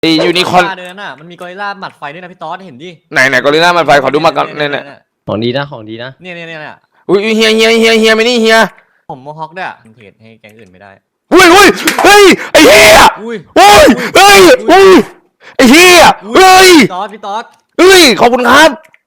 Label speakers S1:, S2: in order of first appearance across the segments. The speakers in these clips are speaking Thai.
S1: ไอยูนิคอร์น
S2: เดินน่ะมันมีกอริลลาหมัดไฟด้วยนะพี่ต๊อดเห็นดิ
S1: ไหนกอริลลามันไฟขอดูมาก่อนเนี่ย
S3: ของดีนะของดีนะ
S2: เนี่ย
S1: อุ้ยเฮียไม่นี่เฮีย
S2: ผมโมฮอคด้วยเทรดให้แก๊งอื่นไม่ได้
S1: อุ้ยเฮ้ยไอเฮียอุ้ยเฮ้ยไอเฮียเฮ้ย
S2: พี่ต๊อด
S1: เฮ้ยขอบคุณครับ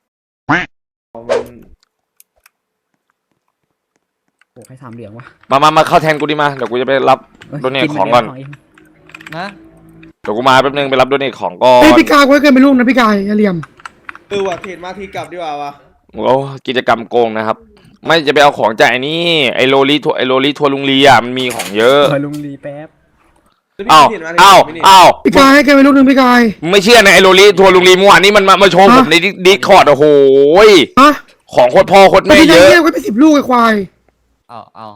S4: โอ้ใคร3 เหรียญวะ
S1: มาเข้าแทนกูดิมาเดี๋ยวกูจะไปรับโดเนทของก่อน
S2: นะ
S1: เดี๋ยวกูมาแป๊บนึงไปรับโดเนทของก่อน
S4: พี่กายไว้เกินไปลูกนะพี่กายอย่าเหลี่ยม
S5: ว่ะเทรดมาทีกลับดีกว่าวะ
S1: โอ้กิจกรรมโกงนะครับไม่จะไปเอาของจากไอ้นี่ไอโรลีทัวลุงลีอ่ะมันมีของเยอะ
S4: ลุงลีแป๊บ
S1: อ้าว
S4: พี่กายให้เกินไปลูกนึงพี่กาย
S1: ไม่เชื่อในไอโรลีทัวลุงลีเมื่อวานนี้มันมาโชว์ผมในดิสคอร์ดโอ้โหของโคตรพ่อโคตรแม่เยอะ
S4: ไว้ไป10 ลูกไอ้ควาย
S2: เอา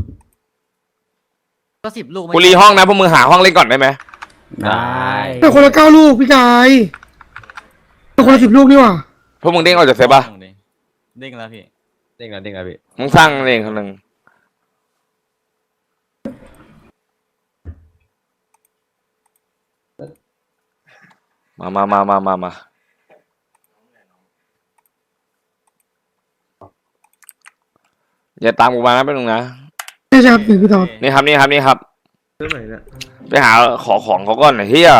S2: ก็10 ลูก
S1: กูรีห้องนะพวกมึงหาห้องเล่นก่อนได้ไหม
S3: ได้
S4: แต่คนละ9 ลูกพี่กายแต่คนละ10 ลูกนี่ว่ะ
S1: พวกมึงเด้งออกจากเซฟป่ะ
S2: เด้งแล้วพี่
S3: เด้งแล้วพี่
S1: มึงสร้างเองคนหนึ่งมาอย่าตามกูมานะเป็นหนึ่งนะ
S4: นี่ครับพี่ต๊อด
S1: นี่ครับ
S5: เรื่องไหนเนี่ย
S1: ไปหาของเขาก่อนหน่อยเฮีย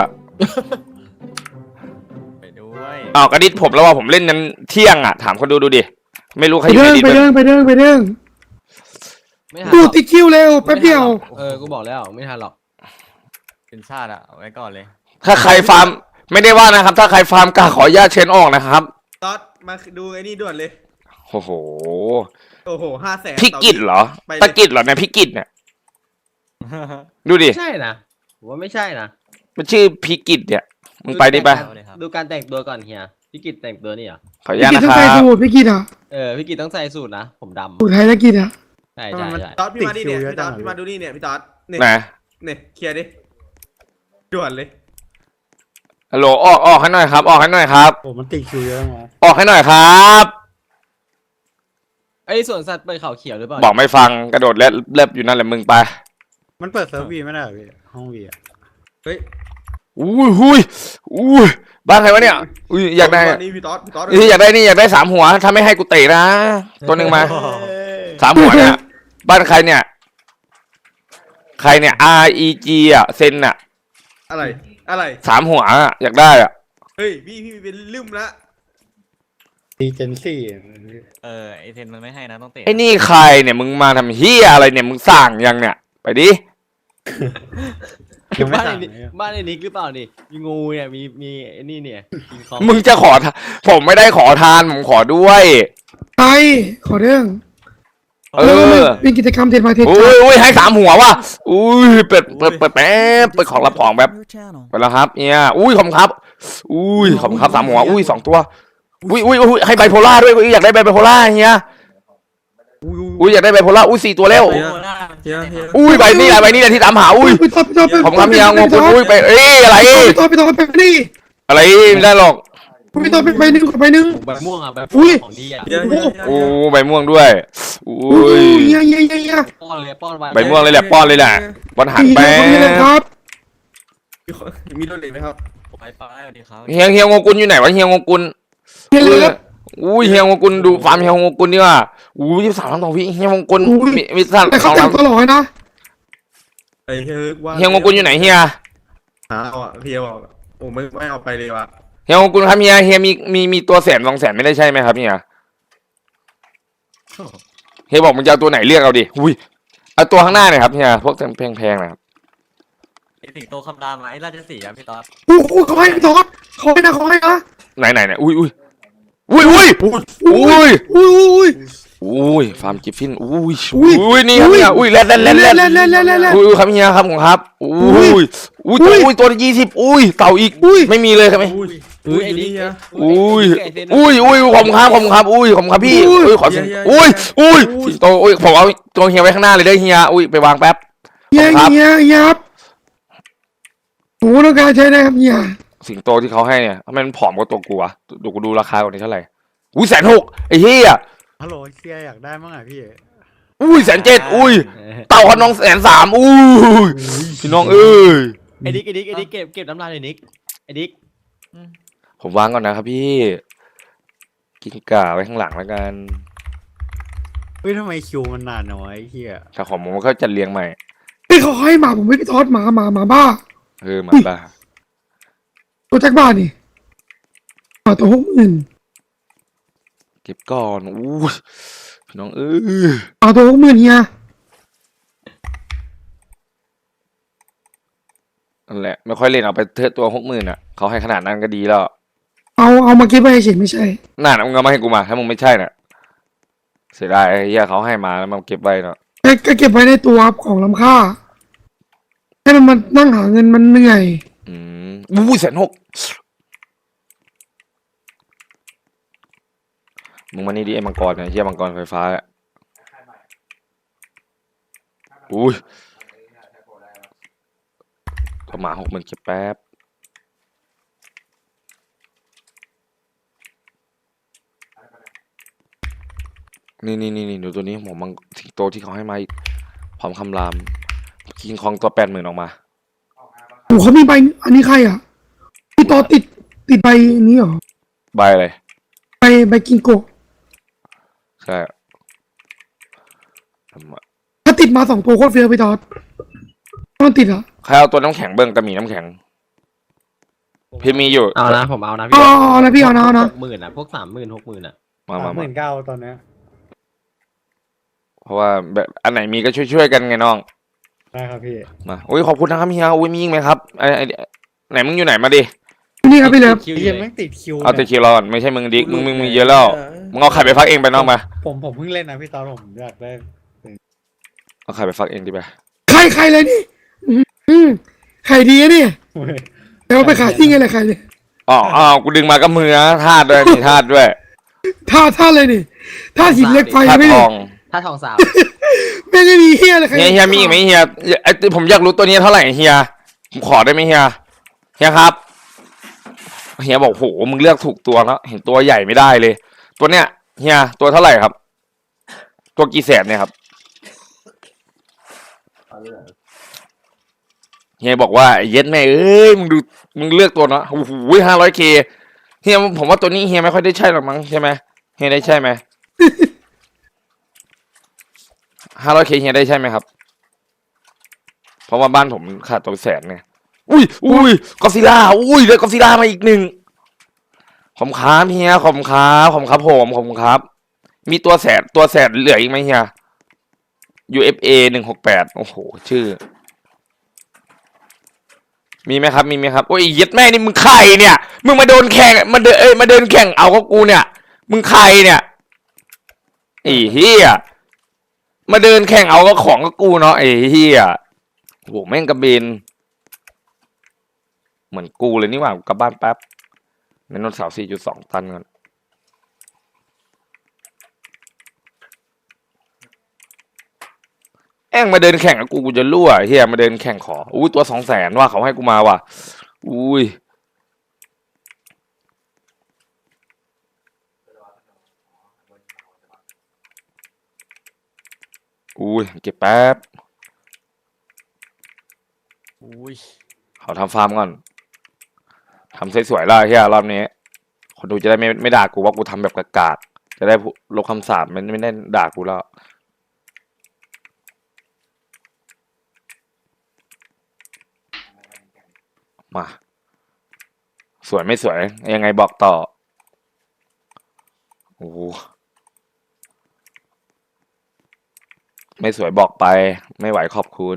S2: ไปด้วย
S1: กระดิษผมแล้วว่าผมเล่นนั้นเที่ยงอ่ะถามคนดูดิไม่รู้ใครอยู่
S4: ใน
S1: ดิษ
S4: ไปเด้งดูติดคิวเร็วแป๊บเดียว
S3: กูบอกแล้วไม่ทันหรอก
S2: เป็นชาติอะเอาไว้ก่อนเลย
S1: ถ้าใครฟาร์มไม่ได้ว่านะครับถ้าใครฟาร์มกล้าขออนุญาตเชนออกนะครับ
S5: ต๊อดมาดูไอ้นี่ด่วนเลย
S1: โอ้โห
S5: 500,000
S1: พี่กิจเหรอตะกิจเหรอเนี่ยพี่กิจเนี่ยดูดิ
S3: ใช่นะผมว่าไม่ใช่นะ
S1: มันชื่อพี่กิจเนี่ยมึงไปดิไป
S3: ดูการแต่งตัวก่อนเฮียพี่กิจแต่งตัวนี่เหรอ
S1: ขออนุญาตนะครับ
S4: พี่กิจอ่ะ
S3: พี่กิจต้องใส่สูทนะผมดำ
S4: สูทไทยแล้วกิจอ่ะ
S3: ใช่
S5: ต๊อดพี่มาดิเนี่ยพี่ต๊อดพี่มาดูนี่เนี่ยพี่ต๊อดเนี่ยเคลียร์ดิด่วนเลย
S1: ฮัลโหลออกให้หน่อยครับออกให้หน่อยครับ
S4: โอ้มันติดคิวเยอะมั้ง
S1: ออกให้หน่อยครับ
S3: ไอ้สวนสัตว์เปิดเขาเขียวหรือเปล่า
S1: บอกไม่ฟังกระโดดเล็บอยู่นั่นแหละมึงไป
S4: มันเปิดเซิร์ฟวีไม่ได้พี่ห้องวีอ่ะ
S5: เฮ้ย
S1: อุ้ยบ้านใครวะเนี่ยอยากได้
S5: นี่พี่ต๊อด
S1: อยากได้3 หัวถ้าไม่ให้กูเตะนะตัวหนึ่งมา3 หัวเนี่ยบ้านใครเนี่ยREG อ่ะเซนอ่ะ
S5: อะไร
S1: 3 หัวอยากได้อ่ะ
S5: เฮ้ยพี่เป็นลืมละ
S4: ดีเจนซี่
S2: ไอเทนมันไม่ให้นะต้องเตะ
S1: ไอ้นี่ใครเนี่ยมึงมาทำเฮียอะไรเนี่ยมึงสั่งยังเนี่ยไปดิ
S3: บ้านไอ้นิกหรือเปล่านี่มีงูเนี่ยมีไอ้นี่เนี่ย
S1: มึงจะขอผมไม่ได้ขอทานผมขอด้วย
S4: ใช่ขอเรื่องเป็นกิจกรรมเทรดมาเทรด
S1: อุ้ยให้3 หัวว่ะอุ้ยเปิดแป๊บเปิดของรับของแบบไปแล้วครับเนี่ยอุ้ยขอบคุณครับอุ้ยขอบคุณครับ3 หัวอุ้ย2 ตัวอุ้ยให้ไบโพล่าด้วยอยากได้ไบโพล่าเฮียอุ้ยอยากได้ไบโพล่าอุ้ย4 ตัวแล้วอุ้ยใบนี้แหละที่ตามหาอุ้ยผมทำยังงงอุ้ยไปอะไร
S4: พี่ต๊อดไปนี่
S1: อะไรไม่ได้หรอก
S4: พี่ต๊อดไปใบหนึ่ง
S3: ใบม่วงอ่ะใบของดีอ่ะ
S1: โอ้ใบม่วงด้วยอุ้ย
S3: ป้อนเลย
S1: ใบม่วงเลยแหละป้อนเลยแหละบอลหันไป
S4: ครับ
S5: มีโดนเลยไหมครับ
S2: ไปสวัสดีครับ
S1: เฮียงกุลอยู่ไหนวะเฮียงกุลอุ้ยเฮียงกุลดูฟาร์มเฮียงกุลดีกว่าอุ้ย23 ล้านต่อวิเฮียงกุลมีสัตว์
S4: 2 ล้านตลอดนะ
S1: เฮียงกุลอยู่ไหนเฮีย
S5: เฮียบอกโอ้ไม่เอาไปเลยว่ะ
S1: เฮียงกุลครับเฮียมีตัว100,000 200,000ไม่ได้ใช่ไหมครับเฮียบอกมึงจะเอาตัวไหนเลือกเอาดิอุ้ยเอาตัวข้างหน้าหน่อยครับเฮียพวกแพงนะครับ
S2: ไอสิงโตคำรามไอราชสีห์พี่ต๊อด
S4: เขาให้พี่ต๊อดเขาให้นะ
S1: ไหนอุ้ยฟาร์มกิฟฟินอุ้ยนี่ครับเนี่ยอุ้ยแล่นอุ้ยครับเฮียครับของครับอุ้ยตัว20อุ้ยเต่าอีกไม่มีเลยครับไหม
S3: ไอ้นี่
S1: อุ้ยผมครับอุ้ยผมครับพี่อุ้ยขออุ้ยตัวอุ้ยผมเอาตัวเฮียไว้ข้างหน้าเลยได้เฮียอุ้ยไปวางแป๊บ
S4: เฮียครับโอ้ต้องการใช้ได้ครับเฮีย
S1: สิงโตที่เขาให้เนี่ยทำไมมันผอมกว่าตัวกูวะดูราคาก่อนนี่เท่าไหร่อุ้ย160,000ไอ้เฮีย
S4: ฮัลโหลเฮียอยากได้มั้งอ่ะพี่
S1: อุ้ย170,000อุ้ยเต่าขนอง130,000อุ้ยพี่น้อง
S3: ไอ้นิกเก็บน้ำลายเลยนิกไอ้ดิ๊ก
S1: ผมวางก่อนนะครับพี่ กินก่าไว้ข้างหลังแล้วกัน
S3: เฮ้ยทำไมคิวมันนานน้อยเฮีย
S1: ถ้าของผมก็จะเลี้ยงใหม่
S4: ไอ้เขาให้หมาผมไม่พี่ทอดหมาบ้า
S1: หมาบ้า
S4: ตัวแจ็คบ้านี่หมาตัว60,000
S1: เก็บก่อนอู้ยพี่น้อง
S4: หมาตัว60,000เฮีย
S1: นั่นแหละไม่ค่อยเล่นเอาไปเทอะตัว60,000อ่ะเขาให้ขนาดนั้นก็ดีแล้ว
S4: เอามาเก็บไว้เฉยไม่ใช่
S1: น่ามึงเอามาให้กูมาถ้ามึงไม่ใช่น่ะเสียดายไอ้เหี้ยเขาให้มาแล้วมันเก็บไว้เนาะ
S4: ก็เก็บไว้ในตัวของล้ำค่าให้มันมานั่งหาเงินมันเหนื่อย
S1: อู้ย160,000มึงมานี่ดิไอ้มังกรเนี่ยเหี้ยมังกรไฟฟ้าอะอุ้ยตัวหมา60,000เก็บแป๊บนี่ดูตัวนี้ผมมังสิงโตที่เขาให้มาอีกพร้อมคำรามคิงคองตัว80,000ออกมา
S4: โอ้เขามีใบอันนี้ใครอ่ะพี่ต่อติดใบนี้เหรอ
S1: ใบอะไร
S4: ใบกิงโกะ
S1: ใช่ทำไม
S4: ถ้าติดมา2 ตัวโคตรเฟี้ยวพี่ตอดถ้ามันติดอ่ะ
S1: ใครเอาตัวน้ำแข็งเบิ้งกระหมี่น้ำแข็งพี่มีอยู่
S3: เอานะผมเอานะ
S4: อ๋อนะพี่เอานะ
S3: 60,000อ่ะพวก30,000 60,000อ่ะ
S1: มา
S6: 39,000ตอนเนี้ย
S1: เพราะว่าแบบอันไหนมีก็ช่วยๆกันไงน้อง
S6: ได้ครับพี่
S1: มาอุ้ยขอบคุณนะครับเฮียอุ้ยมีอีกไหมครับไหนมึงอยู่ไหนมาดิ
S4: นี่ครับพี่เลิฟ
S3: คิว
S6: พี่ยังไม่ติดคิว
S1: เอาแต่
S6: นี่ย
S1: คิวเราก่อนไม่ใช่มึงดิกมึงมีเยอะแล้วมึงเอาไข่ไปฟักเองไปน้องมา
S6: ผมเพิ่งเล่นนะพี่ตอนผมอยากได้
S1: เอาไข่ไปฟักเองดิไป
S4: ใครเลยนี่ไข่ดีอะนี่แต่ว่าไปขายที่ไงเลยใครเลย
S1: อ๋อกูดึงมากับมือนะธาตุด้วยมีธาตุด้วย
S4: ท่าเลยนี่ท่าหินเหล็กไฟ
S1: ธาตุ
S4: ไม่
S1: ท
S4: ได้
S1: อง
S3: ถ้าทองสาว
S4: ไม่ได้มีเฮียอะไรใคร
S1: เฮียมีอีกไหมเฮียไอผมอยากรู้ตัวนี้เท่าไหร่เฮียผมขอได้ไหมเฮียครับเฮียบอกโหมึงเลือกถูกตัวแล้วเห็นตัวใหญ่ไม่ได้เลย ตัวเนี้ยเฮียตัวเท่าไหร่ครับ ตัวกี่แสนเนี่ยครับเฮียบอกว่าเย็ดแม่เอ้ยมึงเลือกตัวเนาะโอ้โห500K เฮียผมว่าตัวนี้เฮียไม่ค่อยได้ใช่หรอกมั้งใช่ไหมเฮียได้ใช่ไหม500K เฮียได้ใช่ไหมครับเพราะว่าบ้านผมขาดตัวแสนไงอุ้ยกอซิล่าได้กอซิล่ามาอีก1ขอบครับเฮียขอบครับผมขอบครับมีตัวแสนเหลืออีกไหมเฮีย UFA 168โอ้โหชื่อมีไหมครับโอ้ยเย็ดแม่นี่มึงใครเนี่ยมึงมาโดนแข่งมาเดินแข่งเอากับกูเนี่ยมึงใครเนี่ยไอ้เฮียมาเดินแข่งเอากับของกับกูเนาะไอ้เฮียโหแม่งกระเบนเหมือนกูเลยนี่หว่ากลับบ้านแป๊บในนนท์เสา 4.2 ตันกันแองมาเดินแข่งกับกูจะรั่วเฮียมาเดินแข่งขออุ้ยตัว200,000ว่าเขาให้กูมาว่ะอุ้ยเก็บแป๊บ
S3: อุ้ย
S1: เขาทำฟาร์มก่อนทำสวยๆแล้วเฮียรอบนี้คนดูจะได้ไม่ด่ากูว่ากูทำแบบกากๆจะได้ลบคำสาปไม่ได้ด่ากูแล้วมาสวยไม่สวยยังไงบอกต่อโอ้ไม่สวยบอกไปไม่ไหวขอบคุณ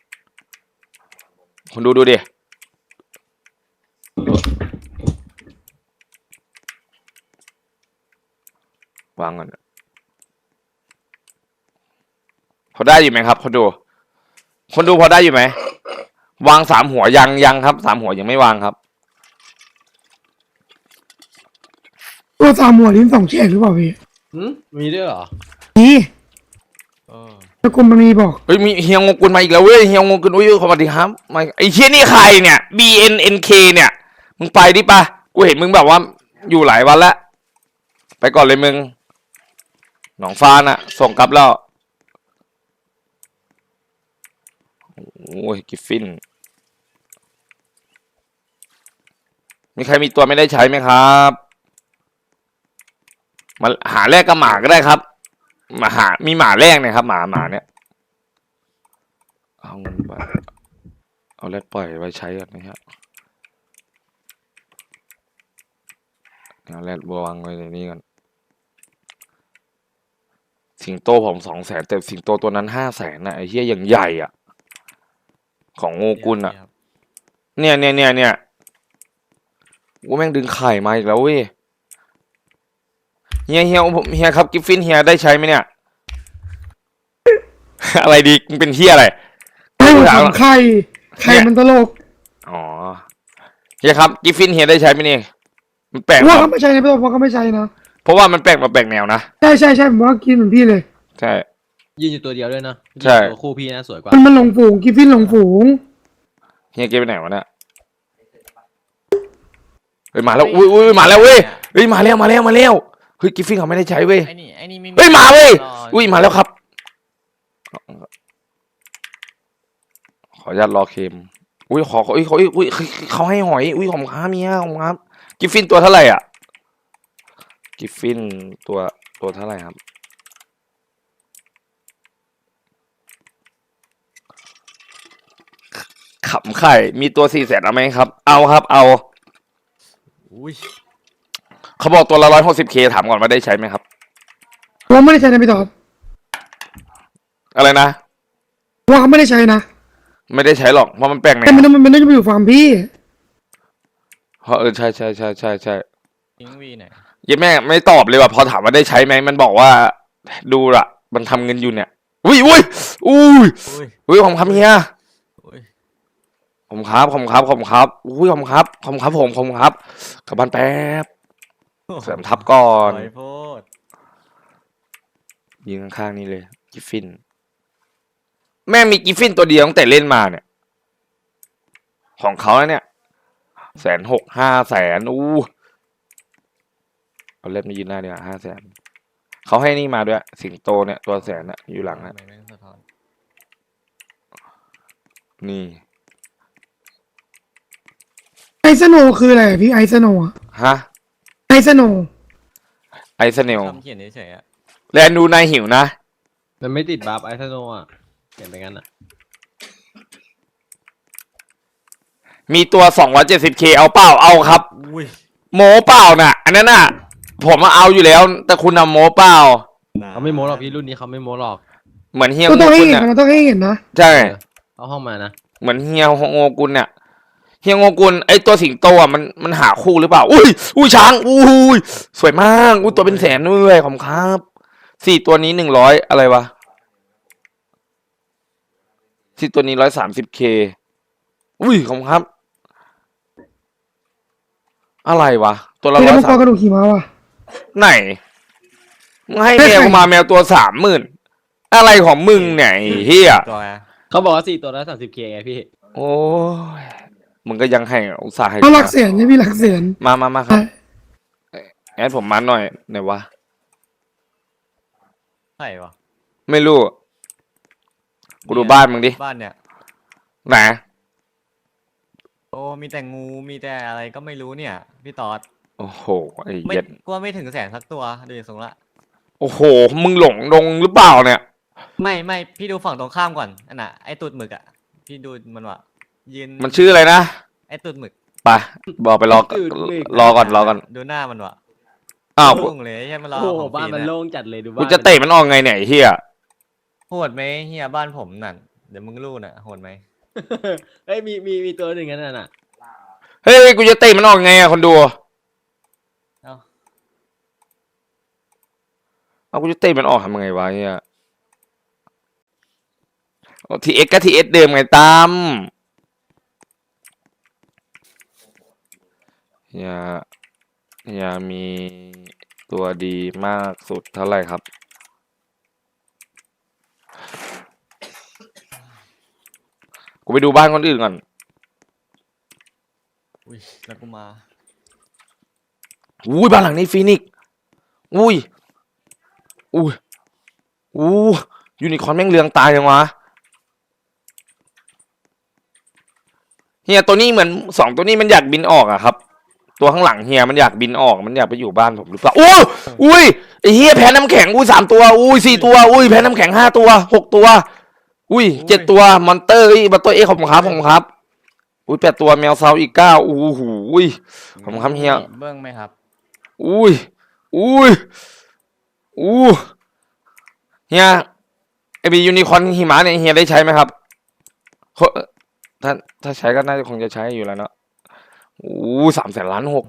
S1: คนดูดิวางก่อนพอได้อยู่ไหมครับคนดูพอได้อยู่ไหมวาง3 หัวยังครับ3 หัวยังไม่วางครับ
S4: ตัว3 หัวลิ้น2 แฉกหรือเปล่าพี่
S3: มีด้วยเหรอ
S4: นี่
S3: เออ
S4: ตะกุมมันมีบอก
S1: เฮ้ยมีเฮียงงกุลมาอีกแล้วเว้ยเฮียงงกุลอุ้ยสวัสดีครับมาไอ้เชี่ยนี่ใครเนี่ย BNNK เนี่ยมึงไปดิปะกูเห็นมึงแบบว่าอยู่หลายวันแล้วไปก่อนเลยมึงหนองฟ้าน่ะส่งกลับแล้วโอ้ยกิฟฟินมีใครมีตัวไม่ได้ใช้ไหมครับมาหาแลกกับหมาก็ได้ครับมีหมาแลกเนี่ยครับหมาเนี่ยเอาเงินไปเอาแลกปล่อยไว้ใช้กันนะครับเอาแลกวางไว้ในนี้กันสิงโตผม200,000แต่สิงโตตัวนั้น500,000นะไอ้เหี้ยอย่างใหญ่อ่ะของโงกุลอ่ะเนี่ยว่าแม่งดึงไข่มาอีกแล้วเว้ยเฮียครับกิฟฟินเฮียได้ใช้ไหมเนี่ย อะไรดีมึงเป็นเฮียอะไร
S4: ให้ผมทำไข่มันตลก
S1: อ๋อเฮียครับกิฟฟินเฮียได้ใช้ไหมเนี่ยมันแปลก
S4: ว่าเขาไม่ใช่นะพี่ตัวว่าเขาไม่ใช่นะ
S1: เพราะว่ามันแปลกแนวนะ
S4: ใช่ผมว่ากินเหมือนพี่เลย
S1: ใช่
S3: ยืนอยู่ตัวเดียวด้วยนะ
S1: ใช่
S3: ตัวคู่พี่นะสวยกว่า
S4: มันหลงฝูงกิฟฟินหลงฝูง
S1: เฮียเก็บไปไหนวะเนี่ยเฮ้ยมาแล้วอุ้ยมาแล้วเว้ยเฮ้ยมาแล้วเฮ้ยกิฟฟินเขาไม่ได้ใช้เว้ย
S2: ไอ้นี่ไม่
S1: เฮ้ยมาเว้ย
S2: ร
S1: อุ้ยมาแล้วครับขออนุญาตรอเคมอุ้ยเขาให้หอยอุ้ยของค้าเมียของครับกิฟฟินตัวเท่าไหร่อ่ะกิฟฟินตัวเท่าไหร่ครับขำไข่มีตัว400,000เอาไหมครับเอาครับเอา
S2: อุ้ย
S1: เขาบอกตัวละ160Kถามก่อนว่าได้ใช้ไหมครับ
S4: ว่าไม่ได้ใช้นะพี่ต่อ
S1: อะไรนะ
S4: ว่าเขาไม่ได้ใช้นะ
S1: ไม่ได้ใช้หรอกเพราะมันแปลกแน
S4: แต่
S1: ว
S4: มันน่าจะไปอยู่ฟาร์มพี่
S1: เพราะใช่
S2: ทิ้งวีไหน
S1: ยังแม่ไม่ตอบเลยว่ะพอถามว่าได้ใช้ไหมมันบอกว่าดูละมันทำเงินอยู่เนี่ยอุ้ยผมครับเฮีย
S2: อุ้ย
S1: ผมครับอุ้ยผมครับผมครับกลับบ้านแป๊บเสริมทับก่อน
S2: ปล่อยโพด
S1: ยิงข้างๆนี่เลยกิฟฟินแม่มีกิฟฟินตัวเดียวตั้งแต่เล่นมาเนี่ยของเขาเนี่ย160,000 500,000อู้เอาเล่นมายืนหน้าเดียว500,000เขาให้นี่มาด้วยสิงโตเนี่ยตัว100,000น่ะอยู่หลังนะ
S2: ทำไมแม่งสะท้อน
S1: นี่
S4: ไอซ์โนคืออะไรอะพี่ไอซ์โนอะ
S1: ฮะ
S4: ไอซ์โน
S1: ไอซ์เนล
S2: คำเขียนเฉยๆอะ
S1: แลนดูนายหิวนะ
S3: มันไม่ติดบัฟไอซ์โนอ่ะเห็นไปงั้นอ่ะ
S1: มีตัว 270K เอาเปล่าเอาครับ
S2: อุ้ย
S1: โมเปล่าน่ะ อันนั้นน่ะ ผมมาเอาอยู่แล้ว แต่คุณนำโมเปล่า
S3: เขาไม่โม้หรอกพี่รุ่นนี้เขาไม่โม้หรอก
S1: เหมือนเฮีย
S4: ก็
S1: โง
S4: ต้องให้
S1: กุล
S4: เห็น
S1: เนี่ย
S4: มันต้องให้เห็นนะ
S1: ใช่
S3: เอาห้องมานะ
S1: เหมือนเฮียโงกุลเนี่ยเฮียโงกุลไอตัวสิงโตอ่ะมันหาคู่หรือเปล่าอุ้ยช้างอุ้ยสวยมากอุ้ยตัวเป็นแสนด้วยขอบคุณครับ4ตัวนี้100อะไรวะ4ตัวนี้130Kอุ้ยขอบคุณครับอะไรวะตัวละ
S4: พี่แล้วมังกรกระ
S1: 130
S4: ดูกขี่ม้าว่ะ
S1: ไหนมึงให้แมวมาแมวตัว30,000อะไรของมึงเนี่ยไอ้เฮีย
S2: ตัวไง
S3: เขาบอกว่า4ตัวละ30K ไงพี่
S1: โอ้ยมึงก็ยังให้อุตส่าห์ให้
S4: เขาหลักเสียนใช่พี่หลักเสียน
S1: มาครับแอดผมมาหน่อยไหนวะ
S2: ใช่ปะ
S1: ไม่รู้กูดูบ้านมึงดิ
S2: บ้านเนี่ย
S1: ไหน
S2: โอ้มีแต่งูมีแต่อะไรก็ไม่รู้เนี่ยพี่ตอด
S1: โอ้โหไอ้
S2: ไม่
S1: เหี้ย็ด
S2: กลัวไม่ถึง100,000สักตัวดูอย่างทรงละ
S1: โอ้โหมึงหลงลงหรือเปล่าเนี่ย
S2: ไม่พี่ดูฝั่งตรงข้ามก่อนอันน่ะไอตูดหมึกอ่ะพี่ดูมันว่ะยืน
S1: มันชื่ออะไรนะ
S2: ไอตูดหมึก
S1: ไปบอกไปรอก่อน
S2: ดูหน้ามันว่ะ
S1: อ้าว
S2: โล่งเลยใช่ไหมรอ
S3: โอ้โห
S2: ของ
S3: บ้าน
S2: ฟรี
S3: มัน
S2: เย
S3: โล่งจัดเลยดูบ้าน
S1: กูจะเตะมันออกไงเนี่ยไอ้เฮีย
S2: โหดไหมเฮียบ้านผมนั่นเดี๋ยวมึงรู้น่ะโหดไหม
S3: เฮ้ยมีตัวหนึ่งนั่นน่ะ
S1: เฮ้ยกูจะเตะมันออกไงอะคนดู
S2: เอ้า
S1: เอากูจะเตะมันออกทำไงวะเฮียทีเอ็กก็ทีเอสเดิมไงตั้มอย่ามีตัวดีมากสุดเท่าไหร่ครับ กูไปดูบ้านคนอื่นก่อน
S2: อุ้ยแล้วกูมา
S1: อุ้ยบ้านหลังนี้ฟีนิกซ์อุ้ยยูนิคอร์นแม่งเรืองตายยังวะเฮียตัวนี้เหมือน2ตัวนี้มันอยากบินออกอะครับตัวข้างหลังเฮียมันอยากบินออกมันอยากไปอยู่บ้านผมหรือเปล่าโอ้อุ้ยไอ้เฮียแพ้น้ำแข็งอุ้ย3 ตัวอุ้ย4 ตัวอุ้ยแพ้น้ำแข็ง5 ตัว6 ตัวอุ้ย7 ตัวมอนเตอร์มอนเตอร์ขอบคุณครับอุ้ย8 ตัวแมวเซาอีก9อู้หูอุ้ยขอบคุณครับเฮีย
S2: เบิ้งไหมครับ
S1: อุ้ยเฮียไอบียูนิคอร์นหิมะเนี่ยเฮียได้ใช้ไหมครับถ้าใช้ก็น่าจะคงจะใช้อยู่แล้วเนาะโอ้300,000,000,6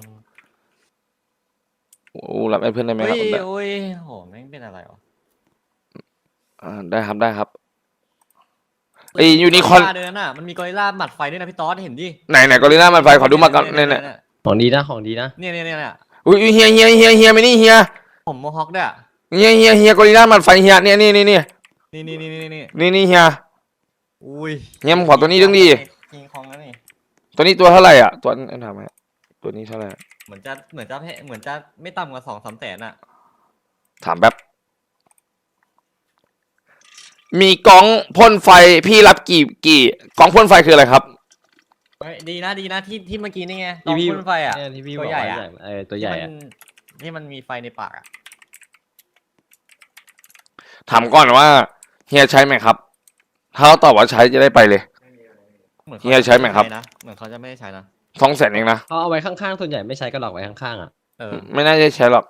S1: โอ้รับไอ้เพื่อนได้ไหมครับ
S2: โอ้ยโหแม่งเป็นอะไรวะ
S1: ได้ครับไอยูนิคอร์น
S2: เดินน่ะมันมีกอริลลาหมัดไฟด้วยนะพี่ต๊อดเห็นดิ
S1: ไหนกอริลลามันไฟขอดูมาก่อนเนี่ย
S3: ของดีนะของดีนะ
S2: เนี่ย
S1: อุ้ยเฮียไม่นี่เฮีย
S2: ผมโมฮอคด้วยอะ
S1: เฮียกอริลลามันไฟเฮียเนี่ยนี่
S2: นี่
S1: เฮีย
S2: อุ้ย
S1: เฮียมึงขอตัวนี้ดึงดิ
S2: คิงคองแล้วนี่
S1: ตัวนี้ตัวเท่าไหร่อ่ะตัวถามไหมตัวนี้เท่าไหร่
S2: เหมือนจะไม่ต่ำกว่า2-3 แสนอ่ะ
S1: ถามแป๊บมีกล้องพ่นไฟพี่รับกี่กล้องพ่นไฟคืออะไรครับ
S2: เฮ้ยดีนะที่เมื่อกี้นี่ไงต
S3: ที่
S2: อง
S3: พี่
S2: พ่นไฟอ่ะ
S3: เนี่ยที่พี่
S2: ตัว
S3: บอก
S2: ใหญ่
S3: ว่า
S2: อะ
S3: ตัวใหญ่อะ
S2: ที่มันมีไฟในปากอ่ะ
S1: ถามก่อนว่าเฮียใช้ไหมครับ ถ้าเขาตอบว่าใช้จะได้ไปเลย
S2: เหมือน
S1: เฮียใช้ไหมครับ
S2: นะเหมือนเขาจะไม่ได้ใช้นะ
S1: 200,000เองนะ
S3: เขาเอาไว้ข้างๆส่วนใหญ่ไม่ใช้ก็หลอกไว้ข้างๆอ่ะ
S1: ไม่น่าจะใช้หรอก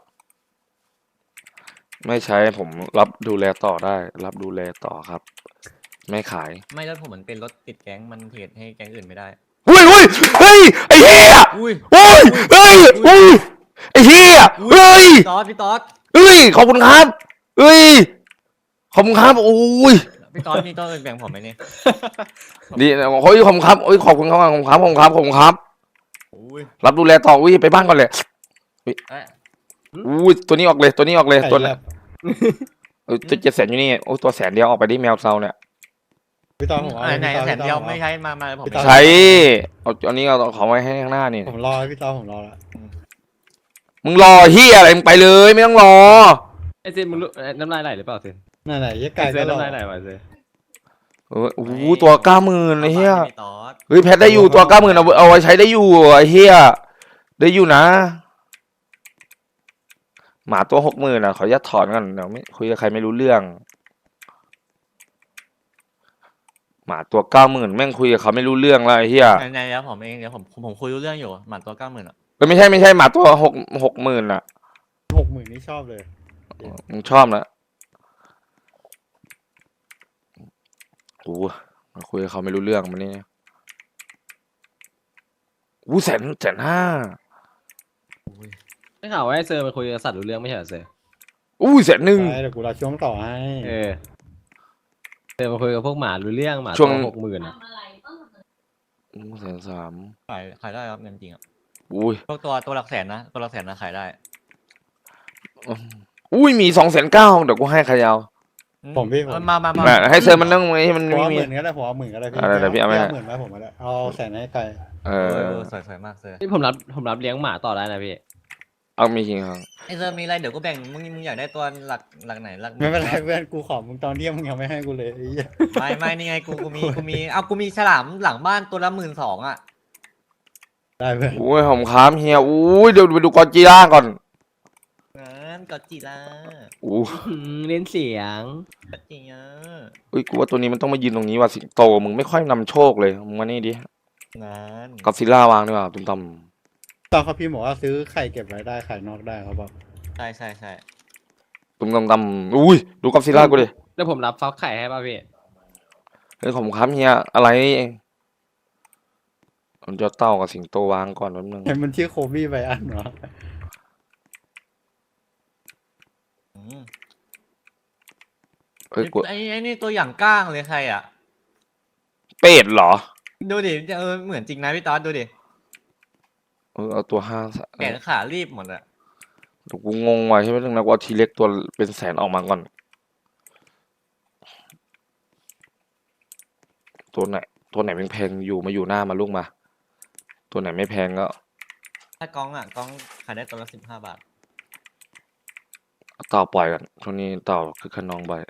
S1: ไม่ใช้ผมรับดูแลต่อได้ รับดูแลต่อครับ ไม่ขาย
S2: ไม่แล้วผมเหมือนเป็นรถติดแก๊งมันเทรดให้แก๊งอื่นไม่ได้
S1: เฮ้ยไอ้เฮีย
S2: อุ้ย
S1: เฮ้ยไอ้เฮียเฮ้ย
S2: พี่ต๊อด
S1: ขอบคุณครับเฮ้ยขอบคุณครับโอ้ย
S2: พี่ต๊อดมีตัวอื่นแบ่งผมไหมเนี่ย
S1: ดีเฮ้ยขอบคุณครับขอบคุณครับขอบคุณครับ
S2: อุ้ย
S1: รับดูแลต่ออุ้ยไปบ้านก่อนเลย
S2: เอ๊ะ
S1: อุ้ยตัวนี้ออกเลยตัว
S6: ไก่
S1: นั้น
S6: แลบ
S1: ตัว700,000อยู่นี่โอ้ตัว100,000เดียวออกไปดิแมวเซาเนี่ย
S6: พี่ตอนผมเอา
S2: ไหน
S6: พี่ตอ
S2: แสนเดียว
S6: ผม
S2: ไม่
S6: อา
S2: ใช้มาผม
S6: พี่ต๊อด
S1: ใช้เอาอันนี้เอาของไว้ให้ข้างหน้านี่
S6: ผมรอพี่ตอนผมรอละ
S1: มึงรอเฮียอะไรมึงไปเลยไม่ต้องรอ
S3: ไอเซนมึงรู้น้ำลายไหลหรือเปล่าเซน
S6: นั่นไหนยี่
S3: ไอ
S6: ไก่
S3: เซ
S6: ก็
S3: น
S6: รอ
S3: น้ำลายไหลว่ะเซน
S1: โอ้โหตัว90,000ไอ้เฮีย
S2: พี่ต๊อด
S1: เฮ้ยแพทได้อยู่ตัว90,000เอาไว้ใช้ได้อยู่ไอ้เฮียได้อยู่นะ หมาตัว60,000อ่ะขออนุญาตถอนก่อนเดี๋ยวไม่คุยกับใครไม่รู้เรื่อง หมาตัว90,000แม่งคุยกับเขาไม่รู้เรื่องแล้วไอ้เฮีย
S2: ไหนๆแล้วผมเองเดี๋ยวผมคุยรู้เรื่องอยู่หมันตัว90,000อ่ะ
S1: ไม่ใช่หมาตัว60,000อ่ะ
S6: 60,000นี่ชอบเลย
S1: มึงชอบนะโอ้มาคุยกับเขาไม่รู้เรื่องมันนี่อู้150,000
S3: ได้ข่าวว่าไอเซอร์มันคุยกับสัตว์รู้เรื่องไม่ใช่เหรอเซอร์
S1: อู้100,000
S6: ใช่เดี๋ยวกูรอช่วงต่อให้
S3: เซอร์มาคุยกับพวกหมารู้เรื่องหมา
S1: ช่วง
S3: ตัว60,000อ่ะ
S1: 130,000
S2: ขายได้ครับเงินจริงอ่ะ
S1: อุ้ย
S2: พวกตัวหลักแสนนะตัวหลักแสนนะขายได้
S1: อุ้ยมี290,000เดี๋ยวกูให้ใครเอา
S6: ผมพี่ผม
S2: มา
S1: ให้เซอร์มันนั่งให้มัน
S6: ผม
S1: ไม่
S6: เอา
S1: มี
S6: 10,000ก็ได้ผมเอา10,000ก็ได้พี่
S1: อะไรเดี๋ยวพี่เอาไหม
S6: 10,000ไหมผมก็ได้เอาแสนให้ไก่
S1: เออ
S2: สวยมากเซอร์
S3: นี่ผมรับเลี้ยงหมาต่อได้นะพี่
S1: เอามีจริงครับ
S2: ไอเซอร์มีอะไรเดี๋ยวก็แบ่งมึงอยากได้ตัวหลักไหนหลัก
S6: ไม่เป็นไรเพื่อนกูขอมึงตอนเที่ยงมึงยังไม่ให้กูเลยไอ้เหี้ย
S2: ไม่นี่ไงกูมีฉลามหลังบ้านตัวละ12,000อ่ะ
S6: ได้เพื่อน
S1: อุ้ยผมค้ามเฮียอุ้ยเดี๋ยวไปดูกอจิล่าก่อน
S2: งั้นก็จีละ
S1: อู้
S3: เล่นเสียง
S2: ก็จีอ่ะ
S1: อุ้ยกูว่าตัวนี้มันต้องมายืนตรงนี้ว่ะสิงโตมึงไม่ค่อยนำโชคเลยมึงมานี่ดิ
S2: งั้น
S1: กอซิล่าวางดีกว่าตุ้มต
S6: ตอนเขาพี่บอกว่าซื้อไข่เก็บไว้ได้ไข่นอกได้เขาบอก
S2: ใช่
S1: ำตุ้มตำอุ้ยดูกอซิล่ากูดิ
S3: แล้วผมรับฟักไข่ให้ป่ะพี่
S1: เฮ้ยผมค้ามเฮียอะไรมันจะเต้ากับสิงโตวางก่อนแป๊บนึง
S6: เห็นมันชื่อโคบี้ไบอันเหรอ
S1: เฮ้ยกู
S2: ไอ้นี่ตัวอย่างก้างเลยใครอ่ะ
S1: เป็ดเหรอ
S2: ดูดิเหมือนจริงนะพี่ต๊อดดูดิ
S1: เอาตัว5
S2: แขนขารีบหมดอ่ะ
S1: เดี๋ยวกูงงว่ะใช่ไหมเรื่องนะกูเอาทีเล็กตัวเป็นแสนออกมาก่อนตัวไหนแพงๆอยู่มาอยู่หน้ามาลูกมา ตัวไหนไม่แพงก็
S2: ถ้ากล้องขายได้ตัวละ15 บาท
S1: เอาเต่าปล่อยกันช่วงนี้เต่าคือขนองบ่อย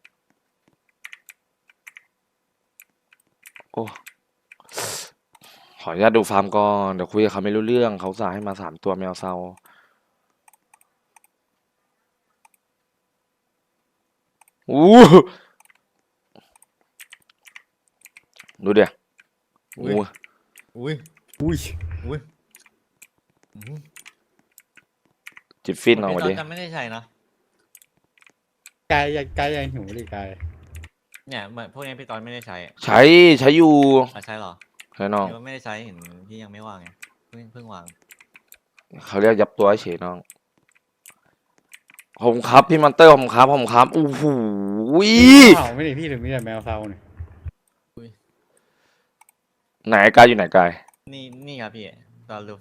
S1: โอ้ขออนุญาตดูฟาร์มก่อนเดี๋ยวคุยกับเขาไม่รู้เรื่องเขาสั่งให้มา3 ตัวแมวเซาอู้ดูเดี๋ยว
S2: อุ้ย อุ้ย
S6: อุ้ย
S2: อุ้ย
S1: จิบฟินเอา
S2: พี่
S1: มา
S2: ตอ
S1: ดิ
S2: นจะไม่ได้ใช้นะ
S6: กายยังหิวดิกาย
S2: เนี่ยเหมือนพวกนี้พี่ตอนไม่ได้ใช้
S1: ใช้อยู่
S2: ใช้เหรอ
S1: ใช่น้อง
S2: พี่ว่าไม่ได้ใช้เห็นพี่ยังไม่ว่างไงเพิ่งวาง
S1: เขาเรียกยับตัวเฉยน้องผมครับพี่มอนเตอร์ผมครับอู้หู
S6: เห่าไม่ดิพี่หรือมีแต่แมวเซาเนี่ย
S1: ไหนกายอยู่ไหนกาย
S2: นี่ครับพี่ตอน